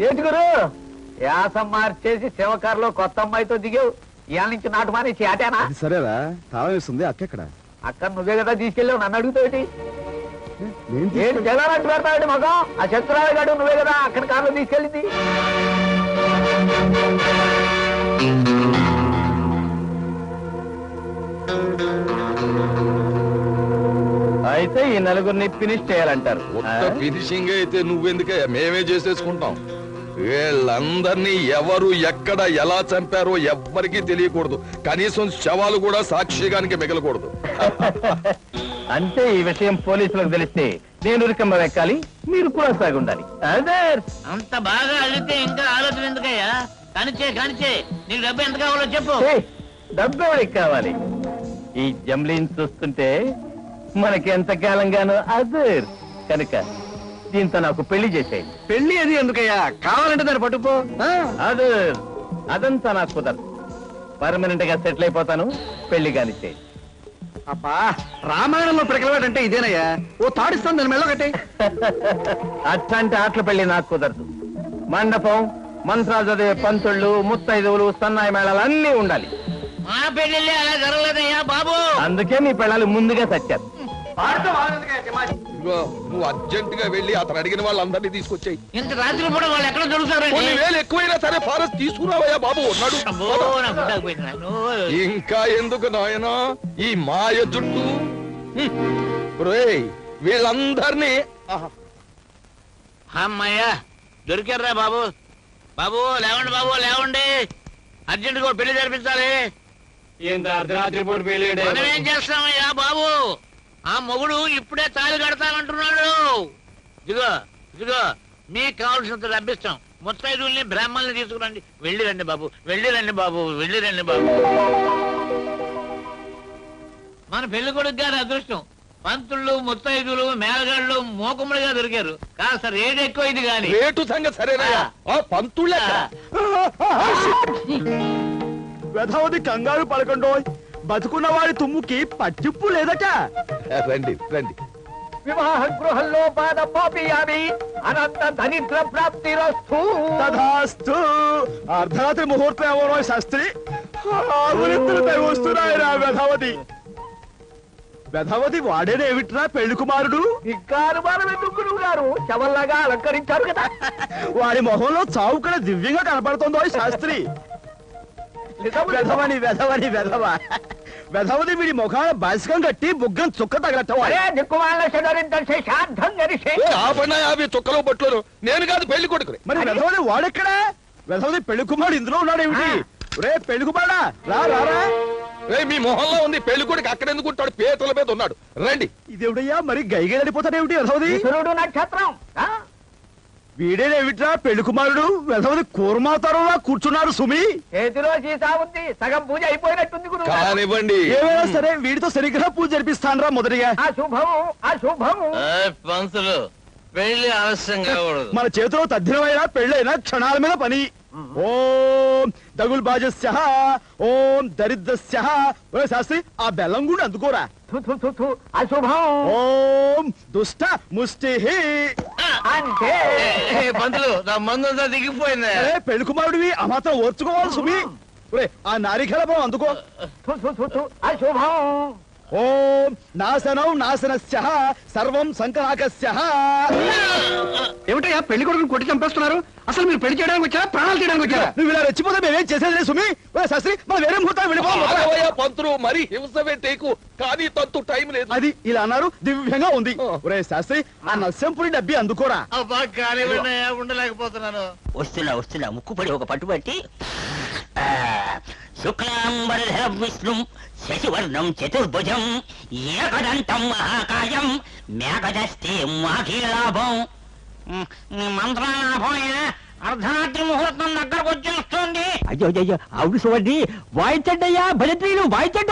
ఏంటి గురు యాసం మార్చేసి శివకారులో కొత్త అమ్మాయితో దిగావు ఇవాళ నుంచి నాటు మానేసి ఆటేనా? సరేరా తాళం వేస్తుంది అక్కడ అక్కడ నువ్వే కదా తీసుకెళ్ళావు, నన్ను అడుగుతావుటి? ఏంటి జగనట్టు పెడతావు మగం? ఆ శంకరావు గారు నువ్వే కదా అక్కడ కారులో తీసుకెళ్ళింది. అయితే ఈ నలుగురిని ఫినిష్ చేయాలంటారు. ఫినిషింగ్ అయితే నువ్వెందుకయ్యా, మేమే చేసేసుకుంటాం. వీళ్ళందరినీ ఎవరు ఎక్కడ ఎలా చంపారో ఎవ్వరికీ తెలియకూడదు. కనీసం శవాలు కూడా సాక్షిగానికి మిగలకూడదు. అంటే ఈ విషయం పోలీసులకు తెలిస్తే నేను ఉరికంబ ఎక్కాలి, మీరు కూడా సాగి ఉండాలి. అదే అంత బాగా అడిగితే ఇంకా ఆలోచన ఎందుకయ్యా? కానిచ్చే నీకు డబ్బు ఎంత కావాలో చెప్పు. డబ్బు ఎవరికి కావాలి? ఈ జమ్లీని చూస్తుంటే మనకి ఎంతకాలంగానో అదే కనుక దీంతో నాకు పెళ్లి చేసేయి. పెళ్లి అది ఎందుకయ్యా? కావాలంటే దాన్ని పట్టుకో. అదే అదంతా నాకు కుదరదు. పర్మనెంట్ గా సెటిల్ అయిపోతాను, పెళ్లి కానిచ్చేయి. అబ్బా రామాయణంలో పిడకలవాడంటే ఇదేనయ్యా. ఓ తాడిస్తాను దాని మెళ్ళ కట్టే. అట్లాంటి ఆటల పెళ్లి నాకు కుదరదు. మండపం, మంత్రాలు చదివే పంతుళ్ళు, ముత్తైదువులు, సన్నాయి మేళాలు అన్నీ ఉండాలి. మా పెళ్లి అలా జరగలేదయ్యా బాబు. అందుకే మీ పిల్లలు ముందుగా చచ్చారు. నువ్వు అర్జెంట్ గా వెళ్ళి అతను అడిగిన వాళ్ళందరినీ తీసుకొచ్చాయి. ఇంత రాత్రి పూట వాళ్ళు ఎక్కడ దొరుకుతారండి? కొన్ని వేలు ఎక్కువైనా సరే ఫారెస్ట్ తీసుకురావయ్యా బాబు. ఉన్నాడు. ఇంకా ఎందుకు నాయనా ఈ మాయ జుట్టు? వీళ్ళందరినీ అమ్మయ్యా దొరికారా బాబు. బాబు లేవండి, బాబు లేవండి, అర్జెంట్ గా పెళ్లి జరిపించాలి. అర్ధరాత్రి పూట పెళ్లి మనం ఏం చేస్తామయ్యా బాబు? ఆ మొగుడు ఇప్పుడే తాళి కడతానంటున్నాడు. ఇదిగో మీకు కావాల్సినంత డబ్బిస్తాం. ముత్తైదుల్ని బ్రాహ్మణుల్ని తీసుకురండి. వెళ్ళిరండి బాబు, వెళ్ళిరండి బాబు, వెళ్ళిరండి బాబు. మన పెళ్లి కొడుకు గారి అదృష్టం, పంతుళ్ళు, ముత్తైదులు, మేళగాళ్ళు మోకములుగా దొరికారు. కాస్త రేటు ఎక్కువ ఇది గాని. రేటు సంగతి సరేనా? ఆ పంతుళ్ళ వెధవది కంగారు పడకండో. బతుకున్న వాడి తుమ్ముకి పట్టిప్పు లేదట. రండి రండి. వివాహ గృహంలో పాదపాపియామి అనంత దరిద్ర ప్రాప్తి రస్తు. తథాస్తు. అర్ధరాత్రి ముహూర్తం ఎవరో శాస్త్రి వస్తున్నాయిరా. వెధవది వాడేనేమిట్రా పెళ్లి కుమారుడు? గురువు గారు శవల్లాగా అలంకరించారు కదా. వాడి మొహంలో చావు కూడా దివ్యంగా కనపడుతుందో శాస్త్రి. వెధవని వెధవని వెధవ. వెధవది వీడి ముఖాన బాసికం కట్టి బుగ్గం చుక్క తగలట్టవాడే. అవి చుక్కలో బొట్లు. నేను కాదు పెళ్లి కొడుకు. మరి వెధవది వాడెక్కడా? వెధవది పెళ్లి కుమారుడు ఇందులో ఉన్నాడేమిటి? రే పెళ్లి కుమారుడా రా రారా. మీ మొహంలో ఉంది, పెళ్లి కొడుకు అక్కడ ఎందుకు ఉంటాడు? పేతల మీద ఉన్నాడు. రండి. ఇదేవిడయ్యా మరి గైగేడిపోతాడేమిటి వెధవది? నక్షత్రం వీడేనేమిట్రా పెళ్లి కుమారుడు? వెధవది కూర్మాతారులా కూర్చున్నారు సుమి. చేతిలో సీసా ఉంది, సగం పూజ అయిపోయినట్టుంది గురువు. కానివ్వండి. ఏమైనా సరే వీడితో శనిగ్రహ పూజ జరిపిస్తానరా మొదటిగా. అశుభము. పంతులు పెళ్లి ఆలస్యంగా మన చేతిలో తద్దినమైనా పెళ్ళైనా క్షణాల మీద పని. ఓం దగుల్ బాజస్య ఓం దరిద్రస్య. శాస్త్రి ఆ బెల్లం కూడా అందుకోరా. అశుభం. ఓం దుష్ట ముష్టి. అంటే పంతులు నా మందంతా దిగిపోయింది. పెళ్లి కుమారుడివి ఆ మాత్రం ఓర్చుకోవాలి సుమి. ఆ నారికలపం అందుకో. అశుభం. ఓం నాశనం నాశనస్య సర్వం సంకనాకస్య. ఏమిటయ్యా పెళ్లి కొడుకుని కొట్టి చంపేస్తున్నారు? అసలు మీరు పెళ్లి చేయడానికి వచ్చారా ప్రాణాలు తీయడానికి వచ్చారా? నువ్వు ఇలా రెచ్చిపోతే మేమేం చేసేది సుమి. శాస్త్రి మనం వేరే ముహూర్తం వెళ్ళిపోవాలి. పంతులు మరి హింస పెట్టేకు, కానీ తంతు టైం లేదు. అది ఇలా అన్నారు దివ్యంగా ఉంది. ఒరే శాస్త్రి ఆ నస్యంపురి డబ్బి అందుకోరా. ఉండలేకపోతున్నాను. వస్తున్నా ముక్కుపడి ఒక పట్టుబట్టి శుక్లాంబరధరం విష్ణుం శశివర్ణం చతుర్భుజం ఏకదంతం మహాకాయం మేఘదస్తే మాఖీలాభం. మంత్రాలాభం అర్ధరాత్రి ముహూర్తం దగ్గరకు వచ్చేస్తుంది. అయ్యో ఆవిడ చూడండి వాయించండి అయ్యా, భజంత్రీలు వాయించండి.